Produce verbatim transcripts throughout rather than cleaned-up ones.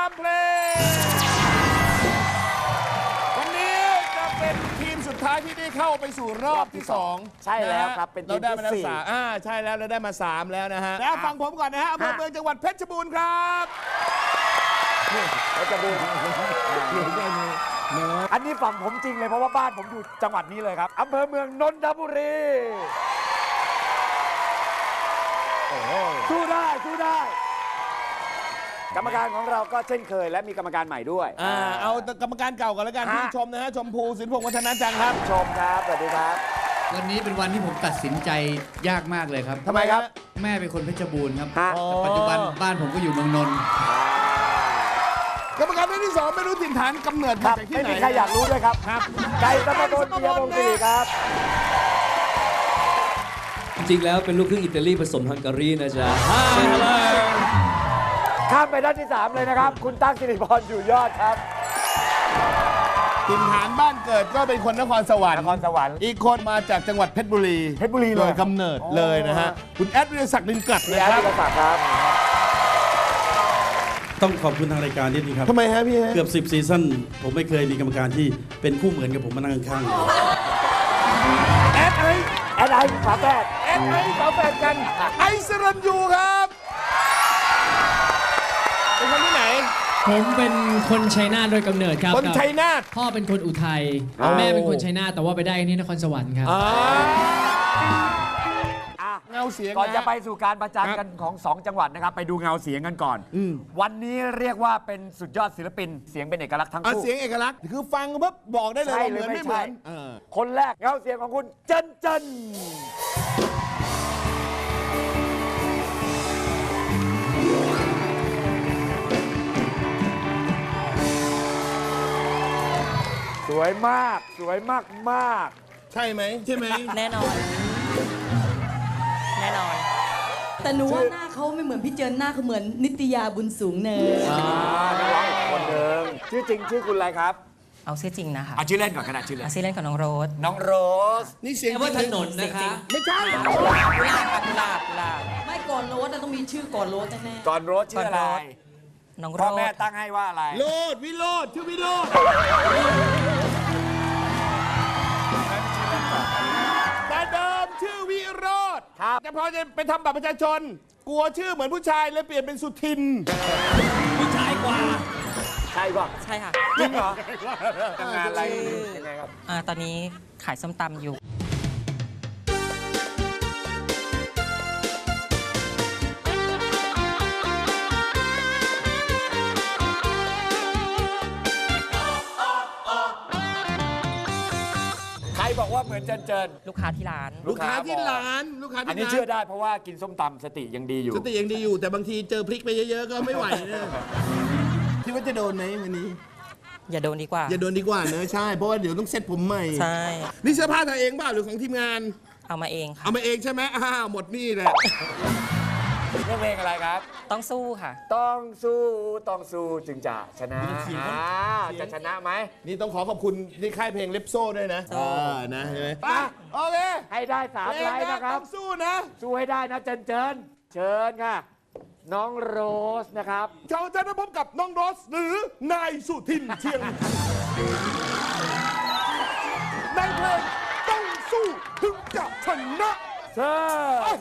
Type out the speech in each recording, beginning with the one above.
ามเพลงวันนี้จะเป็นทีมสุดท้ายที่ได้เข้าไปสู่รอบที่สองใช่แล้วครับเป็นทีมเราได้มาที่แล้วสี่สามอ่าใช่แล้วเราได้มาสามแล้วนะฮะแล้วฟังผมก่อนนะฮะอำเภอเมืองจังหวัดเพชรบูรณ์ครับแล้วจะดูอันนี้ฝั่งผมจริงเลยเพราะว่าบ้านผมอยู่จังหวัดนี้เลยครับอำเภอเมืองนนทบุรีสู้ได้สู้ได้กรรมการของเราก็เช่นเคยและมีกรรมการใหม่ด้วยอ่าเอากรรมการเก่าก่อนแล้วกันฮะพี่ชมนะฮะชมพูสินพงษ์วัฒนาจังครับชมครับสวัสดีครับวันนี้เป็นวันที่ผมตัดสินใจยากมากเลยครับทำไมครับแม่เป็นคนเพชรบูรณ์ครับฮะแต่ปัจจุบันบ้านผมก็อยู่เมืองนนท์กรรมการท่านที่สองไม่รู้ถิ่นฐานกำเนิดคมารับจากที่ไม่ไหนมีใครอยากรู้ด้วยครับครับไก่ตะบนเบียร์วงศิริครับจริงๆแล้วเป็นลูกครึ่งอิตาลีผสมฮังการีนะจ๊ะข้ามไปด้านที่สามเลยนะครับ คุณตั๊กสิริพรอยู่ยอดครับถิ่นฐานบ้านเกิดก็เป็นคนนครสวรรค์นครสวรรค์อีกคนมาจากจังหวัดเพชรบุรีเพชรบุรีเลยโดยกำเนิดเลยนะฮะคุณแอดวิทยาศักดิ์ลินกลัดพี่นะแอดครับวิทยาศักดิ์ครับต้องขอบคุณทางรายการนิดนึงครับทำไมฮะพี่ฮะเกือบสิบซีซั่นผมไม่เคยมีกรรมการที่เป็นคู่เหมือนกับผมมานั่งข้างๆแอดไอแอดไอฝาแฝดแอดไอฝาแฝดกันไอซ์รันยูครับเป็นคนที่ไหนผมเป็นคนชัยนาทโดยกำเนิดครับคนชัยนาทพ่อเป็นคนอุทัยแม่เป็นคนชัยนาทแต่ว่าไปได้ที่นครสวรรค์ครับอ่าอ่ะเงาเสียงก่อนจะฮไปสู่การประจันครับกันของสองจังหวัดนะครับ ไปดูเงาเสียงกันก่อนอืมวันนี้เรียกว่าเป็นสุดยอดศิลปิน เสียงเป็นเอกลักษณ์ทั้งเอาคู่เสียงเอกลักษณ์คือฟังปุ๊บบอกได้เลยใช่ว่าเหมือนหรือไม่ไม่เหมือนใช่เออคนแรกเงาเสียงของคุณเจนเจนสวยมากสวยมากมากใช่ไหมใช่ไหมแน่นอน แน่นอนแต่หนูว่าหน้าเขาไม่เหมือนพี่เจินหน้าเขาเหมือนนิตยาบุญสูงเนินอ่านักร้องอีกคนหนึ่งชื่อจริงชื่อคุณอะไรครับเอาชื่อจริงนะคะเอาชื่อเล่นก่อนขนาดชื่อเล่นเอาชื่อเล่นของน้องโรสน้องโรสนี่เสียงว่าถนนเสียนะงจริคะงไม่ใช่กุหลาบกุหลาบกุหลาบกุหลาบไม่ก่อนโรสต้องมีชื่อก่อนโรสแน่ก่อนโรสชื่ออะไรน้องโรพ่อสแม่ตั้งให้ว่าอะไรโลดวิโรดชื่อวิโรดแต่เดิมชื่อวิโรดครับแต่พอจะไปทำบัตรประชาชน กลัวชื่อเหมือนผู้ชายเลยเปลี่ยนเป็นสุทินใช่ป่ะใช่ค่ะจริงเหรอทำงานอะไรยังไงครับอ่าตอนนี้ขายส้มตำอยู่ใครบอกว่าเหมือนเจนเจนลูกค้าที่ร้านลูกค้าที่ร้านลูกค้าอันที่นี้ร้านเชื่อได้เพราะว่ากินส้มตำสติยังดีอยู่สติยังดีอยู่แต่บางทีเจอพริกไปเยอะๆก็ไม่ไหวนะคิดว่าจะโดนไหมวันนี้อย่าโดนดีกว่าอย่าโดนดีกว่าเนอะใช่เพราะว่าเดี๋ยวต้องเซ็ตผมใหม่ใช่นี่เสื้อผ้าเธอเองเปล่าหรือของทีมงานเอามาเองค่ะเอามาเองใช่ไหมอ้าวหมดนี่แหละเรื่องเพลงอะไรครับต้องสู้ค่ะต้องสู้ต้องสู้จึงจะชนะเสียงอ่าจะชนะไหมนี่ต้องขอขอบคุณที่ค่ายเพลงเลปโซ่ด้วยนะโซ่เออนะเห็นไหมอ่ะโอเคให้ได้สามเพลไลงน์นะนะคต้รัอบ งสู้นะสู้ให้ได้นะเจนเจนเชิญค่ะ น้องโรสนะครับชาวจะได้พบกับน้องโรสหรือนายสุทินเชียงในเพลงต้องสู้ถึงจะชนะเชิญ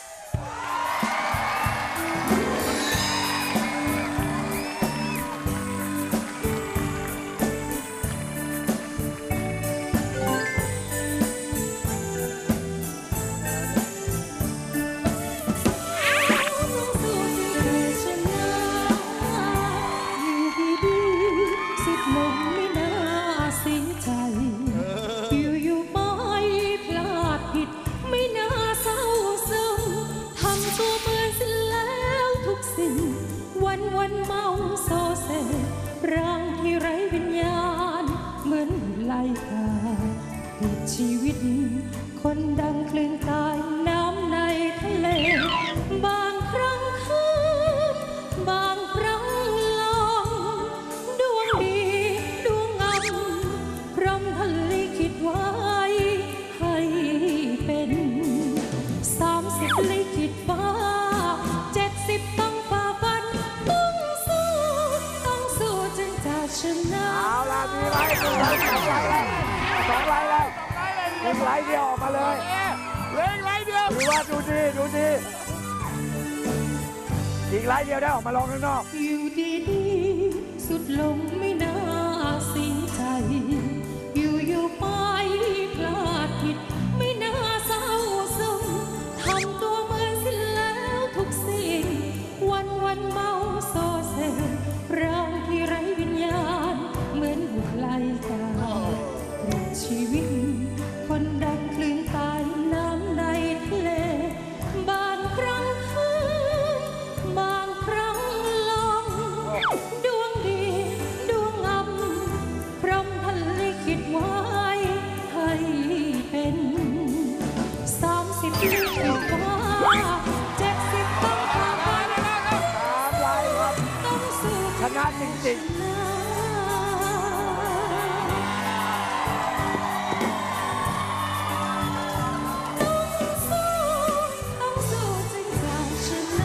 สิบลงไม่น่าเสียใจ อยู่อยู่ๆไปพลาดผิด ไม่น่าเศร้าซึมทำตัวเหมือนสิ้นแล้วทุกสิ่ง วันวันๆเมาโซเซร่างที่ไร้วิญญาณ เหมือนไหลกาติดชีวิต คนดังคลื่นตายน้ำในทะเล บางครั้งคืนบางครั้งลมดวงดีดวงงามพรหมท่านลิขิตไว้ให้เป็นสามสิบลิขิตฟ้าเจ็ดสิบต้องฝ่าฟันต้องสู้ต้องดูดีดูดีอีกไลน์เดียวได้ออกมาลองข้างนอกอยู่ดีๆสุดลงไม่น่าเสียใจ อยู่อยู่ๆไปพลาดผิด ไม่น่าเศร้าซึมทำตัวเหมือนสิ้นแล้วทุกสิ่ง วันวันๆเมาโซเซร่างที่ไร้วิญญาณ เหมือนอยู่ไกลกันปลิดชีวิต คนดังคลื่นใต้น้ำในทะเล บางครั้งคืนบางครั้งลมดวงดีดวงงามพรหมท่านลิขิตไว้ให้เป็นสามสิบปีกว่าเจ็ดสิบต้องผ่านไปตามไลน์ครับต้องสู้ชนะจริงต้องสู้จึงจะชนะ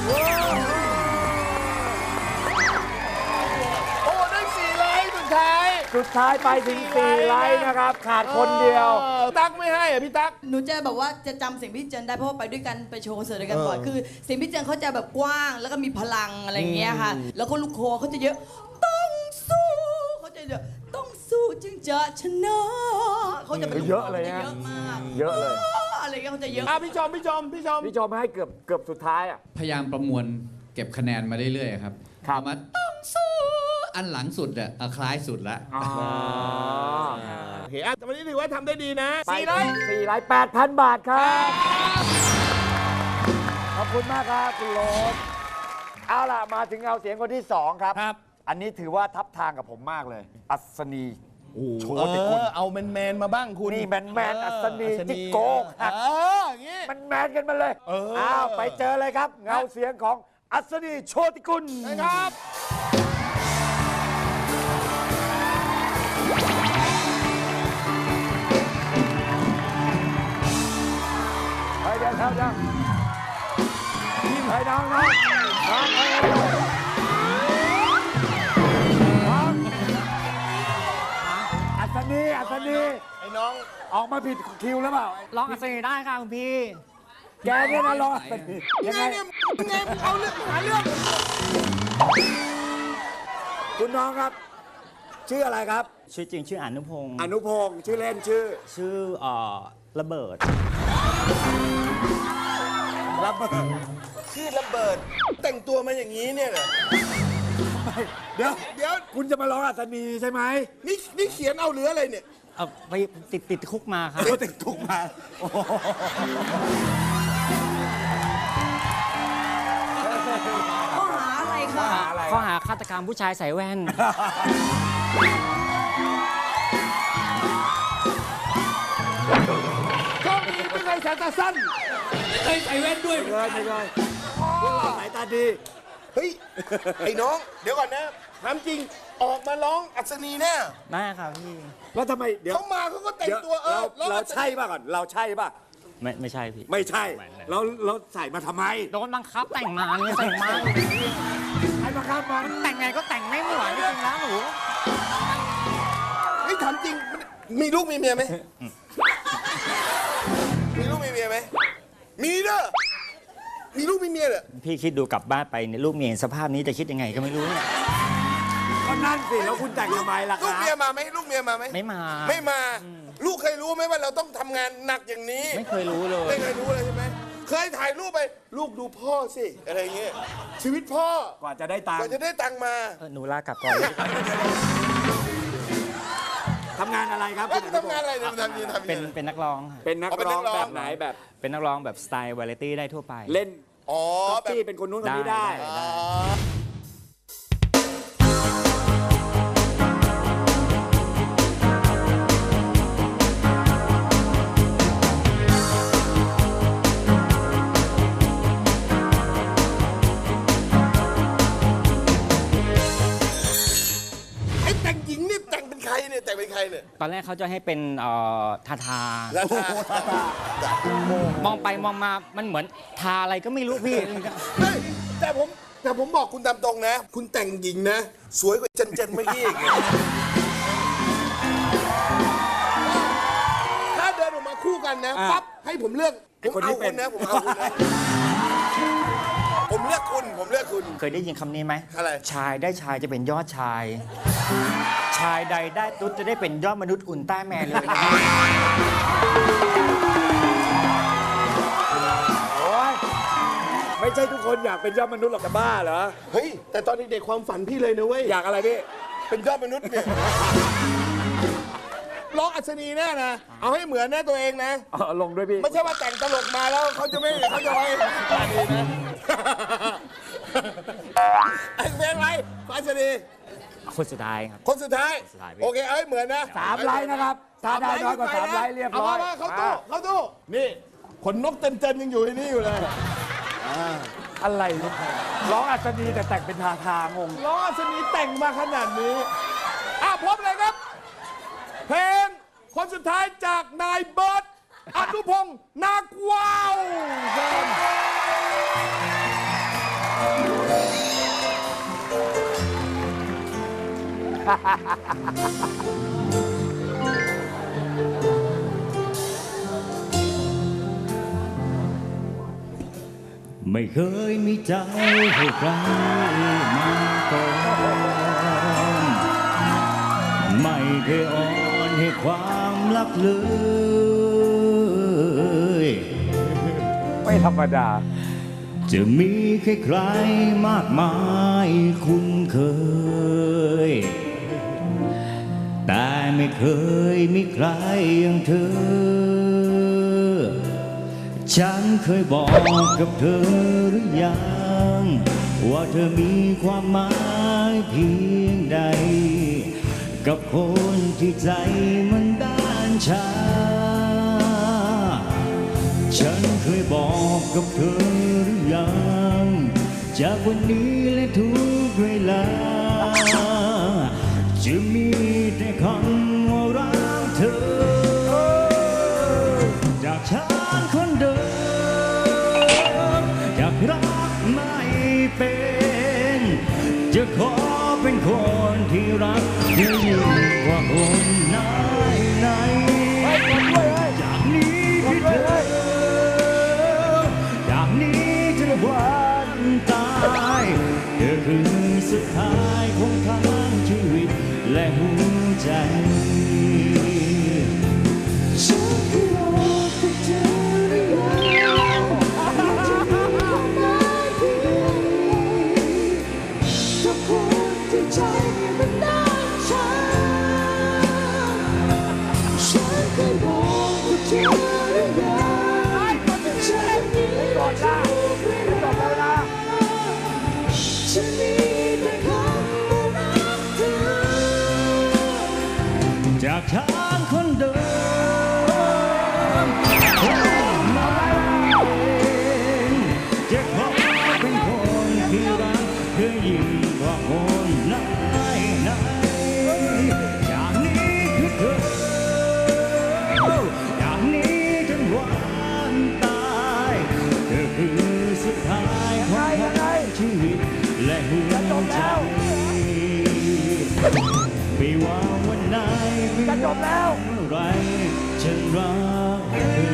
โอ้ได้สี่ไลน์สุดท้ายๆ สุดท้ายไปถึงสี่ไลน์นะครับ ขาดคนเดียวออตั๊กไม่ให้อ่ะพี่ตั๊กหนูจะแบบว่าจะจำเสียงพี่เจนได้เพราะว่าไปด้วยกันไปโชว์คอนเสิร์ตด้วยกันบ่อยคือเสียงพี่เจนเขาจะแบบกว้างแล้วก็มีพลังอะไรอย่างเงี้ยค่ะ แล้วก็ลูกคอเขาจะเยอะต้องสู้เขาจะเยอะต้องสู้จึงจะชนะเขาจะเป็นลูกคเยอะเลยขาจนะเยอะมากเยอะเลยอะไรเงี้ยเขาจะเยอะอ่ะพี่ชมพี่ชมพี่ชมพี่ชมให้เกือบเกือบสุดท้ายอ่ะพยายามประมวลเก็บคะแนนมาเรื่อยๆครับครับเอามาต้องสู้อันหลังสุดอะเอาคล้ายสุดละอ๋อโอเคอ่ะแต่วันนี้ถือว่าทำได้ดีนะไปสี่ไลน์สี่ไลน์แปดพันบาทครับ ขอบคุณมากครับคุณโรสเอาล่ะ มาถึงเอาเสียงคนที่สองครับครับอันนี้ถือว่าทับทางกับผมมากเลย อัศนี โชเอติกุลอเอาแมนแมนๆมาบ้างคุณนี่แมนแมนๆอัศนีอัศจิโกกหักเอออย่างงี้มันแมนกันมาเลยเอออ้าวไปเจอเลยครับ เงาเสียงของอัศนีโชติกุลนะครับเฮ้ยเดี๋ยวเดี๋ยวเดี๋ยวเฮ้ยน้องน้องน้องเฮ้ยน้องอัศนีอัศนีไอ้น้องออกมาผิดคิวแล้วเปล่าร้องอัศนีได้ค่ะคุณพี่แกเนี่ยนะรออัศนียังไงเนี่ยยังไงมึงเอาเรื่องหาเรื่องคุณน้องครับ ชื่ออะไรครับชื่อจริงชื่ออนุพงศ์อนุพงศ์ชื่อเล่นชื่อชื่อเอ่อระเบิดระเบิดชื่อระเบิด แต่งตัวมาอย่างนี้เนี่ยเหรอเดี๋ยวเดี๋ยวคุณจะมาร้องอัศนีใช่ไหมนี่นี่เขียนเอาหรืออะไรเนี่ยเอาไปติดติดคุกมาครับเดี๋ยวติดคุกมาโอ้โหข้อหาอะไรคะอะไรข้อหาฆาตกรรมผู้ชายใส่แว่นโชคดีไม่เคยสายตาสั้นเคยใส่แว่นด้วยไม่เลยไม่เลยพวกเราสายตาดีเฮ้ย ไอ้น้อง เดี๋ยวก่อนนะถามจริง ออกมาร้องอัศนีแน่ได้ครับพี่แล้วทำไมเดี๋ยวเขามาเขาก็แต่งเดี๋ยวตัวเอเราอร้องเราอัศนีใช่ป่ะก่อน เราใช่ป่ะไม่ไม่ใช่พี่ไม่ใช่เราเราใส่มาทำไมโดนบังคับแต่งมาเนี่ยแต่งมาใครมาครับมันแต่งไงก็แต่งไม่เหมือนจริงๆแล้วหนูเฮ้ยถามจริง มีลูกมีเมียไหม มีลูกมีเมียไหม มีเด้อ มีลูกมีเมียเหรอพี่คิดดูกลับบ้านไปเนี่ยลูกเมียเห็นสภาพนี้จะคิดยังไงก็ไม่รู้เนี่ยก็นั่นสิ แล้วคุณแต่งทำไมล่ะคลูรักบเมียมาไหมลูกเมียมาไหมไม่มาไม่มา ลูกเคยรู้ไหมว่าเราต้องทำงานหนักอย่างนี้ไม่เคยรู้เลยไม่เคยรู้เลยใช่ไหม เคยถ่ายรูปไป ลูกดูพ่อสิ อะไรเงี้ย ชีวิตพ่อกว่าจะได้ตังกว่าค์จะได้ตังค์มาเออหนูลากลับก่อนเลยทำงานอะไรครับเอ้คุยณอนุพทำงานงศ์อะไรเนี่ยทำยังไงทำเป็นยังไงเป็นนักร้องค่ะเป็นนักอ๋อเป็นร้นัองกร้องแบบไหนแบบเป็นนักร้องแบบสไตล์วาไรตี้ได้ทั่วไปเล่นอ๋อก๊อปแบบปี้เป็นคนนู้นคนนี้ได้ได้อ๋อ ไอ้แต่งหญิงนี่แต่งเป็นใครเนี่ยแต่งเป็นใครเนี่ยตอนแรกเขาจะให้เป็นเอ่อทาทาแล้วถ้ามองไปมองมามันเหมือนทาอะไรก็ไม่รู้พี่เฮ้ยแต่ผมแต่ผมบอกคุณตามตรงนะ คุณแต่งหญิงนะ สวยกว่าเจนเจนเมื่อกี้อีกถ้าเดินออกมาคู่กันนะอ่ะปั๊บให้ผมเลือกผมเอาคุณนะผมเอาคุณนะผมเลือกคุณผมเลือกคุณเคยได้ยินคำนี้ไหมอะไรชายได้ชายจะเป็นยอดชาย ชายใดได้ตุ๊ดจะได้เป็นยอดมนุษย์อุ่นต้าแมนเลยนะโอ้ยไม่ใช่ทุกคนอยากเป็นยอดมนุษย์หรอกจะบ้าเหรอเฮ้ยแต่ตอนเด็กๆความฝันพี่เลยนะเว้ยอยากอะไรพี่เป็นยอดมนุษย์เนี่ยร้องอัศนีแน่นะเอาให้เหมือนแน่ตัวเองนะเอาลงด้วยพี่ไม่ใช่ว่าแต่งตลกมาแล้วเขาจะไม่เขาจะไว้ดีนะไอ้เพลงอะไรอัศนีคนสุดท้ายครับคนสุดท้ายสุดท้ายพี่โอเคเอาให้เหมือนนะสามไลน์นะครับ ถ้าได้น้อยกว่าสามไลน์เรียบร้อยามาเข้าตู้เข้าตู้นี่ขนนกเต็นๆยังอยู่ที่นี่อยู่เลยอะไรเนี่ยร้องอัศนีแต่แต่งเป็นทาทางงร้องอัศนีแต่งมาขนาดนี้อ่ะพบเลยครับ เพลงคนสุดท้ายจากนายเบิร์ตอนุพงศ์นาคว้าวเชิญไม่เคยมีใจให้ใครมาก่อนไม่เคยอ่อนให้ความรักเลยไม่ธรรมดาจะมีใครๆมากมายคุ้นเคย แต่ไม่เคยมีใครอย่างเธอ ฉันเคยบอกกับเธอหรือยังว่าเธอมีความหมายเพียงใด กับคนที่ใจมันด้านชา ฉันเคยบอกกับเธอหรือยังจากวันนี้และทุกเวลา จะมีแต่คำว่ารักเธอ จากฉันคนเดิมอยากรักไม่เป็น จะขอเป็นคนที่รักเธอยิ่งกว่าคนไหนไหนจากนี้ที่เธอจากนี้ถึงวันตายเธอคือสุดท้ายของทั้งชีวิตและหัวใจ ฉันเคยบอกกับเธอหรือยังว่าจะมีความหมายเพียงใดกับคนที่ใจมันด้านชา ฉันเคยบอกกับเธอหรือยังจะมีทุกเวลาฉันมีแต่คำว่ารักเธอ จากฉันคนเดิมจะขอเป็นคนที่รักเธอยิ่งกว่าคนไหนไหนจากนี้คือเธอจากนี้จนวันตายเธอคือสุดท้ายของทั้งชีวิตและหัวใจไม่ว่าวันไหนไม่ว่าเมื่อไรฉันรักเธ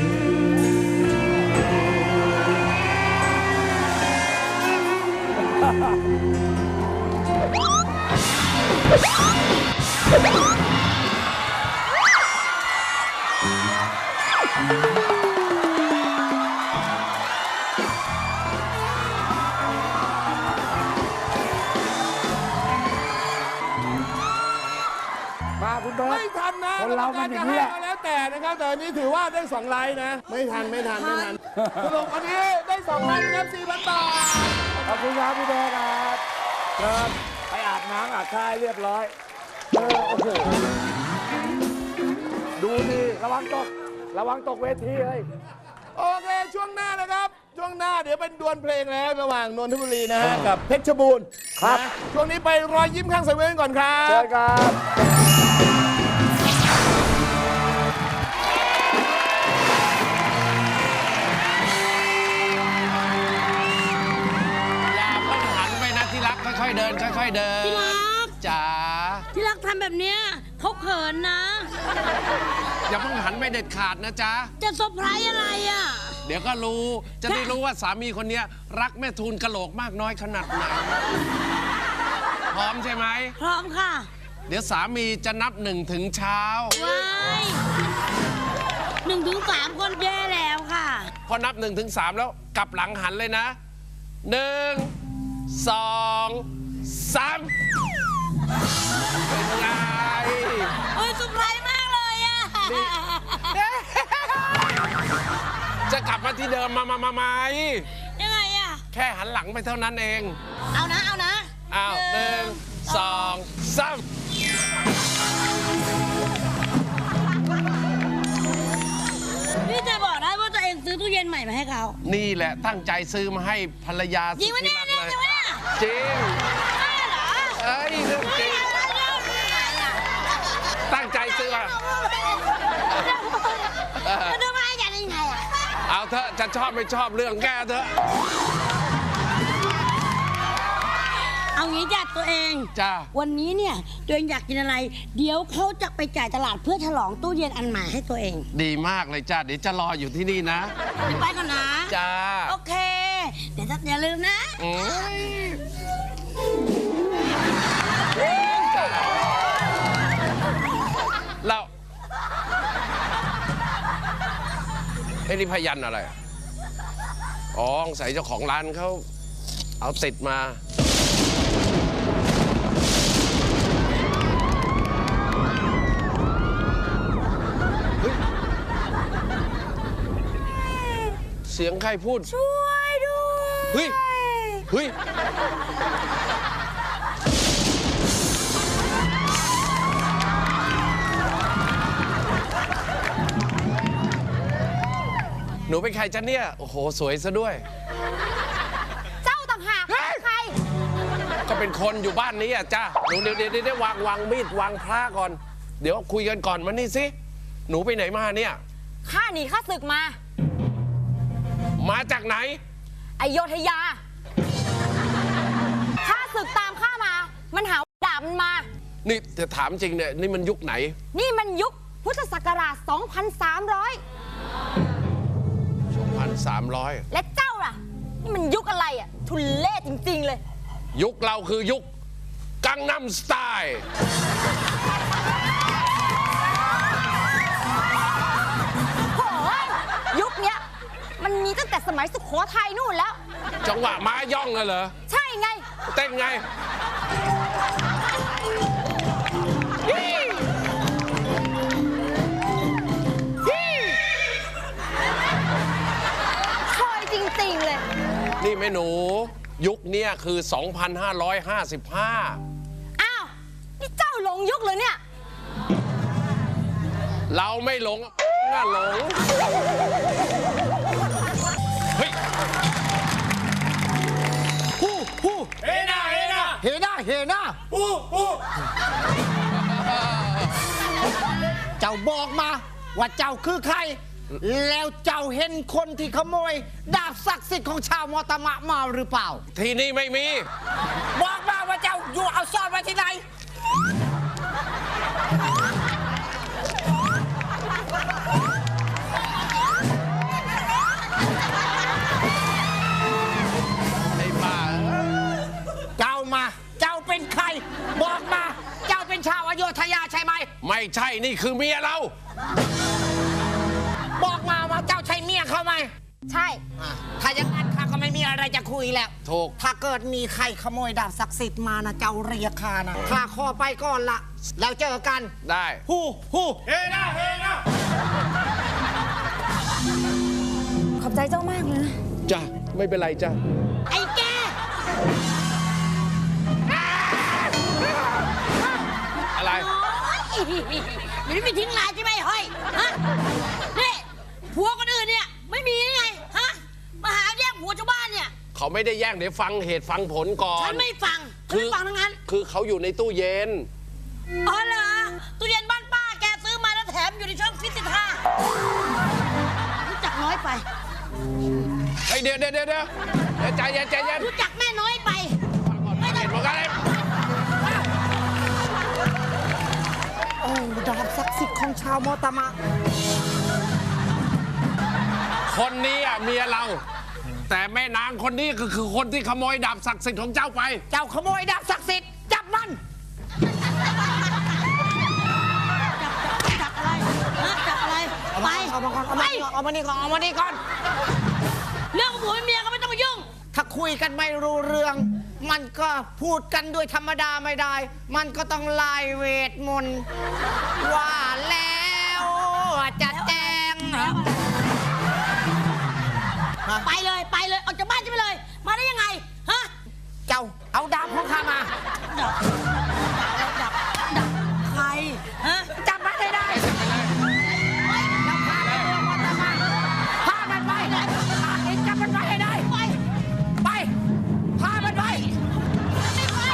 มาคุณเบิร์ตไม่ทันนะคนเรามันอย่างนี้แหละก็แล้วแต่นะครับแต่อันนี้ถือว่าได้สองไลน์นะ ไม่ทันไม่ทันไม่ทันสรุปอันนี้ได้สองไลน์นะครับสี่พันบาทขอบคุณครับพี่เบิร์ตครับเชิญไปอาบน้ำอาบท่าให้เรียบร้อยเออโอ้โหดูดิระวังตก ระวังตกเวทีเลยโอเคช่วงหน้านะครับ ช่วงหน้าเดี๋ยวเป็นดวลเพลงแล้วระหว่างนนทบุรีนะฮะกับเพชรบูรณ์ครับนะช่วงนี้ไปรอยยิ้มข้างเซเว่นก่อนครับเชิญครับอย่าเพิ่งหันไปนะที่รักค่อยๆเดินค่อยๆเดินที่รักจ๋าที่รักทำแบบเนี้ยเขาเขินนะอย่าเพิ่งหันไปเด็ดขาดนะจ๊ะจะเซอร์ไพรส์อะไรอ่ะเดี๋ยวก็รู้ จะได้รู้ว่าสามีคนเนี้ยรักแม่ทูลกะโหลกมากน้อยขนาดไหน พร้อมใช่ไหมพร้อมค่ะเดี๋ยวสามีจะนับหนึ่งถึงเช้าว้ายหนึ่งถึงสามคนแย่แล้วค่ะพอนับหนึ่งถึงสามแล้วกลับหลังหันเลยนะหนึ่งสองสามเป็นไงโอ้ยสุดไพรส์มากเลยอะจะกลับมาที่เดิมมามามาไหมยังไงอะแค่หันหลังไปเท่านั้นเองเอานะ เอานะอ้าวหนึ่งสองสามพี่จะบอกได้ว่าตัวเองซื้อตู้เย็นใหม่มาให้เขานี่แหละตั้งใจซื้อมาให้ภรรยาจริงวะเนี่ยสุดที่รักเลยจริงวะเนี่ยจริงได้เหรอเอ้ยเรื่องจริงตั้งใจซื้อมาเออจะดูมาให้กันยังไงอะเอาเถอะจะชอบไม่ชอบเรื่องแกเถอะเอางี้จ้ะตัวเองจ้าวันนี้เนี่ยตัวเองอยากกินอะไร เดี๋ยวเขาจะไปจ่ายตลาดเพื่อฉลองตู้เย็นอันใหม่ให้ตัวเองดีมากเลยจ้าเดี๋ยวจะรออยู่ที่นี่นะเดี๋ยวไปก่อนนะจ้าโอเค เดี๋ยวจะอย่าลืมนะอืมเราไอ้นี่พยันอะไร อ๋อใส่เจ้าของร้านเขาเอาติดมา เสียงใครพูดช่วยด้วยเฮ้ย เฮ้ย หนูเป็นใครจ๊ะเนี่ย โอ้โห สวยซะด้วยเจ้าต่างหากใครก็เป็นคนอยู่บ้านนี้อ่ะจ้าหนูเดี๋ยวเดี๋ยวเดี๋ยววางวางมีดวางพระก่อน เดี๋ยวคุยกันก่อนมานี่สิ หนูไปไหนมาเนี่ยข้าหนีข้าศึกมามาจากไหนอโยธยา ข้าศึกตามข้ามา มันหาดาบมันมานี่จะถามจริงเนี่ย นี่มันยุคไหนนี่มันยุคพุทธศักราช สองพันสามร้อยสองพันสามร้อยและเจ้าล่ะ นี่มันยุคอะไรอ่ะ ทุเล่จริง ๆ เลยยุคเราคือยุคกังนัมสไตล์โอ้ยยุคเนี้ย มันมีตั้งแต่สมัยสุโขทัยนู่นแล้วจังหวะม้าย่องน่ะเหรอใช่ไงเต้นไงคอยจริง ๆ เลยนี่แม่หนู ยุคเนี้ยคือ สองพันห้าร้อยห้าสิบห้าอ้าว นี่เจ้าหลงยุคเลยเนี่ยเราไม่หลงน่าหลง เฮ้ยฮู้ฮู้เฮน่าเฮน่าเฮน่าเฮน่าฮู้ฮู้เจ้าบอกมาว่าเจ้าคือใคร แล้วเจ้าเห็นคนที่ขโมย ดาบศักดิ์สิทธิ์ของชาวมอตมะมาหรือเปล่าที่นี่ไม่มีบอกมาว่าเจ้าอยู่เอาซ่อนไว้ที่ไหนไอ้บ้าเจ้ามา เจ้าเป็นใคร บอกมา เจ้าเป็นชาวอโยธยาใช่ไหมไม่ใช่นี่คือเมียเราบอกมาว่าเจ้าใช่เมียเขาไหมใช่อ่ะถ้าอย่างนั้นข้าก็ไม่มีอะไรจะคุยแล้วถูกถ้าเกิดมีใครขโมยดาบศักดิ์สิทธิ์มานะเจ้าเรียกข้านะข้าขอไปก่อนละแล้วเจอกันได้ฮู้ฮู้เฮน่าเฮน่าขอบใจเจ้ามากเลยนะจ้ะ ไม่เป็นไรจ้ะไอ้แกอะไรมันไม่มีทิ้งลายใช่ไหมเฮ้ย ฮะ นี่ผัวคนอื่นเนี่ย ไม่มีไง ฮะ มาหาแย่งผัวชาวบ้านเนี่ยเขาไม่ได้แย่งเดี๋ยวฟังเหตุฟังผลก่อนฉันไม่ฟังฉันไม่ฟังทั้งนั้นคือเขาอยู่ในตู้เย็นอ๋อเหรอ ตู้เย็นบ้านป้าแกซื้อมาแล้วแถมอยู่ในช่องฟิตสิท่ารู้จักน้อยไปเฮ้ยเดี๋ยวเดี๋ยวเดี๋ยวเดี๋ยวใจเย็นใจเย็นรู้จักแม่น้อยไปไม่ต้องเห็นเหมือนกันเลยโอ้ดาบศักดิ์สิทธิ์ของชาวมอตมะ ขคนนี้อ่ะเมียเรา แต่แม่นางคนนี้ก็คือคนที่ขโมยดาบศักดิ์สิทธิ์ของเจ้าไปเจ้าขโมยดาบศักดิ์สิทธิ์จับมันจับอะไรฮะจับอะไร ไปเอามาก่อนเอามาก่อนเอามานี่ก่อนเอามานี่ก่อนเรื่องผัวเมียก็ไม่ต้องมายุ่งถ้าคุยกันไม่รู้เรื่อง มันก็พูดกันด้วยธรรมดาไม่ได้ มันก็ต้องไล่เวทมนต์ว่าแล้วจะแจ้งไปเลยไปเลยออกจากบ้านฉันไปเลย มาได้ยังไงฮะเจ้าเอาดาบของข้ามาดับดับดับดับใครฮะจับมันให้ได้แล้วพาไปเมืองวัตมาพามันไปพาเองจับมันไปให้ได้ ไป ไป พามันไปไม่ไป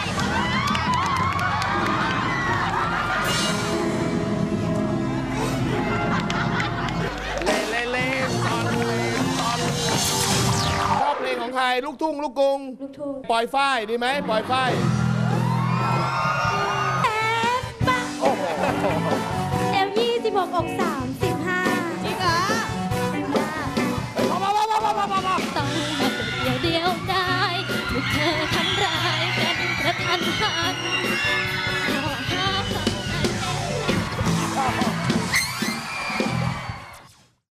เล่เล่เล่ตอนเล่ตอนชอบเพลงของใคร ลูกทุ่ง ลูกกรุงลูกทุ่งปล่อยฝ้ายดีไหมปล่อยฝ้ายแอบปะเอวยี่สิบหกอกสามสิบห้าจริงเหรอพอพอพอพอพอพอพอต้องมาเดียวเดียวได้ถูกเธอทำร้ายกันกระทันหัน